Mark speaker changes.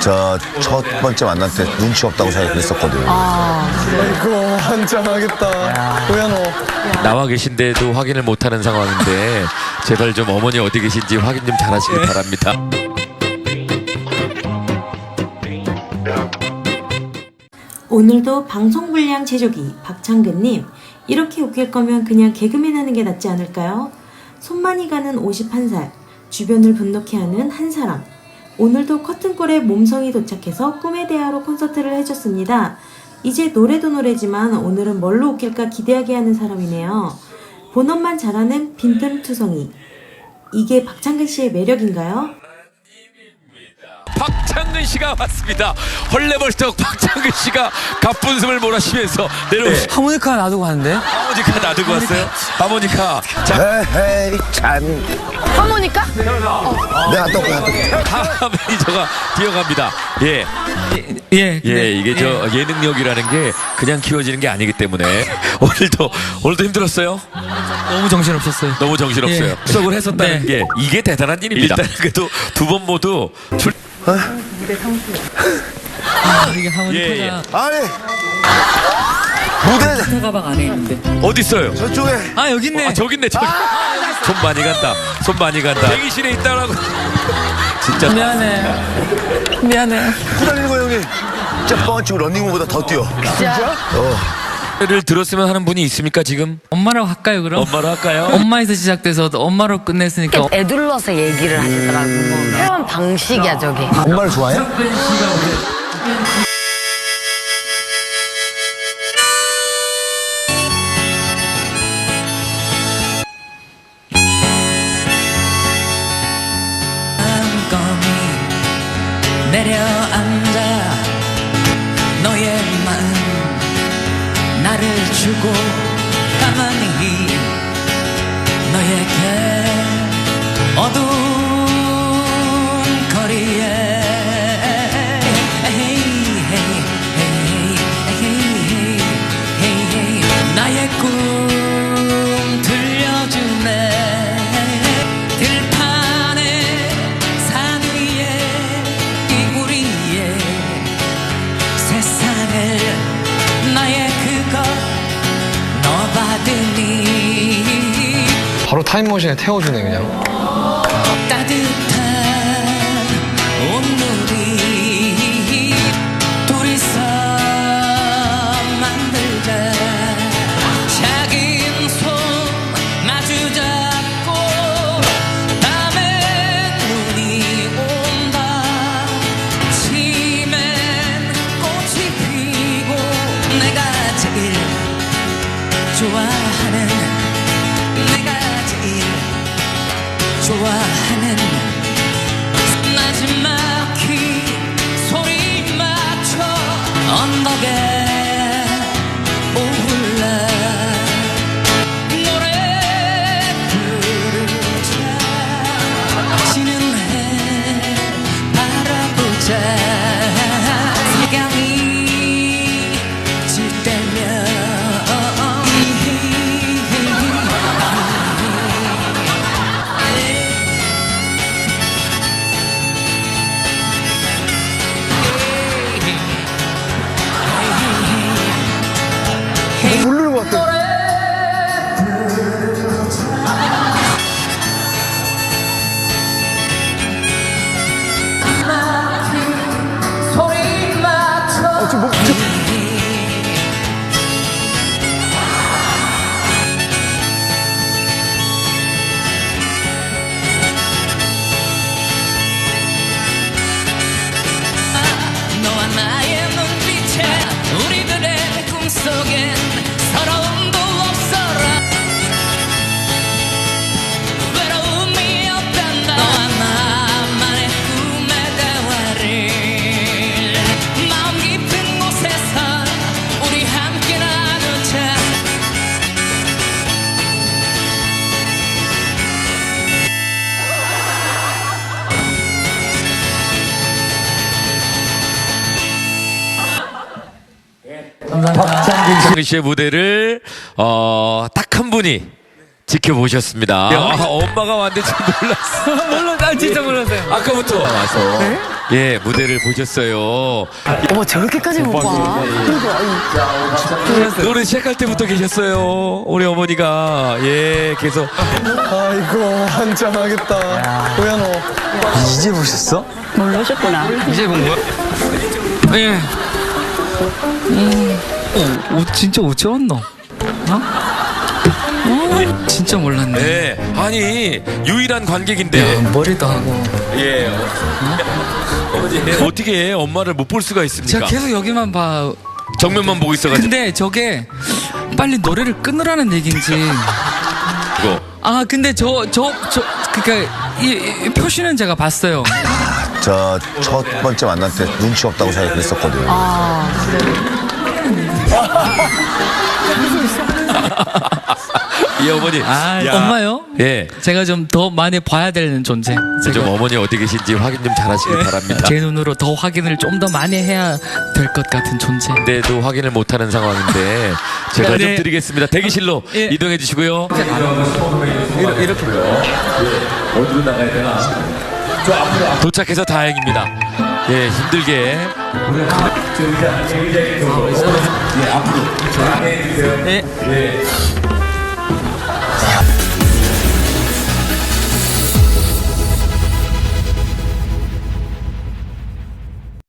Speaker 1: 저 첫 번째 만날 때 눈치 없다고 생각했었거든요.
Speaker 2: 아이고 한장하겠다. 고현호.
Speaker 3: 나와 계신데도 확인을 못하는 상황인데 제발 좀 어머니 어디 계신지 확인 좀 잘하시길 바랍니다.
Speaker 4: 오늘도 방송불량 제조기 박창근님, 이렇게 웃길 거면 그냥 개그맨 하는 게 낫지 않을까요? 손 많이 가는 51살, 주변을 분노케 하는 한 사람. 오늘도 커튼골에 몸성이 도착해서 꿈의 대화로 콘서트를 해줬습니다. 이제 노래도 노래지만 오늘은 뭘로 웃길까 기대하게 하는 사람이네요. 본업만 잘하는 빈틈투성이. 이게 박창근 씨의 매력인가요?
Speaker 3: 박창근 씨가 왔습니다. 헐레벌떡 박창근 씨가 가뿐숨을 몰아쉬면서 내려오시.
Speaker 2: 하모니카 놔두고 가는데?
Speaker 3: 하모니카 놔두고 왔어요. 하모니카. 자,
Speaker 1: 에헤이 참.
Speaker 5: 하모니카?
Speaker 1: 내가 또
Speaker 3: 하 매니저가 뛰어갑니다. 예.
Speaker 2: 예.
Speaker 3: 예, 이게 저 예능력이라는 게 그냥 키워지는 게 아니기 때문에 오늘도 힘들었어요.
Speaker 2: 너무 정신없었어요.
Speaker 3: 너무 정신없어요.
Speaker 2: 예.
Speaker 3: 수석을 했었다는
Speaker 2: 네.
Speaker 3: 게 이게 대단한 일입니다. 일단 그래도 두 번 모두
Speaker 2: 이게 하모니카가
Speaker 3: 예.
Speaker 1: 아니 무대
Speaker 2: 기타 가방 안에 있는데.
Speaker 3: 어디 있어요?
Speaker 1: 저쪽에
Speaker 2: 아 여기 있네.
Speaker 3: 저기 있네. 저기. 손 많이 간다. 손 많이 간다. 대기실에 있다라고. 진짜
Speaker 2: 미안해.
Speaker 1: 후달리는 거 형이 진짜 뻥치고 런닝맨보다 더 뛰어.
Speaker 3: 를 들었으면 하는 분이 있습니까 지금?
Speaker 2: 엄마라고 할까요 그럼?
Speaker 3: 엄마로 할까요?
Speaker 2: 엄마에서 시작돼서 엄마로 끝냈으니까
Speaker 5: 애둘러서 얘기를 하시더라고. 표현 방식이야 저게.
Speaker 1: 엄마를 좋아해?
Speaker 2: 껌이 내려앉아 너의 마음 나를 주고 가만히 너에게 어두운 거리에 나의 꿈 들려주네. 들판에 산 위에 이불 위에 세상을 나의 그거 너 받으니
Speaker 6: 바로 타임머신에 태워주네 그냥.
Speaker 2: 따뜻한 온누리 둘이서 만들자. 작은 손 마주 잡고 밤에 눈이 온다. 치면 꽃이 피고 내가 제일 좋아하는 좋아하는 마지막히 소리 맞춰 언덕에 오르라. 노래 부르자. 지는 해 바라보자. 색양이 질 때면
Speaker 1: 모르는 것 같아.
Speaker 2: 소리 맞춰 너와 나의 눈빛에 우리들의 꿈속엔 서러움도 없어라. 외로움이 없단다. 너와 나만의 꿈의 대화를 마음 깊은 곳에서 우리 함께 나누자.
Speaker 3: 박창근 씨의 무대를 딱 한 분이 지켜보셨습니다. 엄마가 왔는지 몰랐어.
Speaker 7: 몰랐어. 진짜 몰랐어요.
Speaker 3: 아까부터 와서 예 무대를 보셨어요.
Speaker 5: 어머, 저렇게까지 못 봐.
Speaker 3: 노래 시작할 때부터 계셨어요. 우리 어머니가 예 계속
Speaker 6: 아이고 한장하겠다. 뭐야 너?
Speaker 8: 이제 보셨어?
Speaker 5: 모르셨구나.
Speaker 7: 이제 본 거야? 예. 진짜 어째 왔노? 진짜 몰랐네.
Speaker 3: 네 아니 유일한 관객인데
Speaker 7: 머리도 하고.
Speaker 3: 예 어머니 어떻게 엄마를 못 볼 수가 있습니까?
Speaker 7: 제가 계속 여기만 봐.
Speaker 3: 정면만 보고 있어가지고
Speaker 7: 근데 저게 빨리 노래를 끊으라는 얘기인지.
Speaker 3: 이거.
Speaker 7: 근데 그니까 이 표시는 제가 봤어요.
Speaker 1: 저 첫 번째 만날 때 눈치 없다고 생각했었거든요.
Speaker 3: 이 어머니 야.
Speaker 7: 엄마요?
Speaker 3: 예.
Speaker 7: 제가 좀 더 많이 봐야 되는 존재.
Speaker 3: 좀 어머니 어디 계신지 확인 좀 잘하시길 바랍니다.
Speaker 7: 제 눈으로 더 확인을 좀 더 많이 해야 될 것 같은 존재.
Speaker 3: 근데도 확인을 못하는 상황인데 제가 좀
Speaker 7: 네.
Speaker 3: 드리겠습니다. 대기실로
Speaker 7: 예.
Speaker 3: 이동해 주시고요. 이렇게요. 어디로 나가야 되나? 도착해서 다행입니다. 예, 힘들게. 예, 앞으로. 예.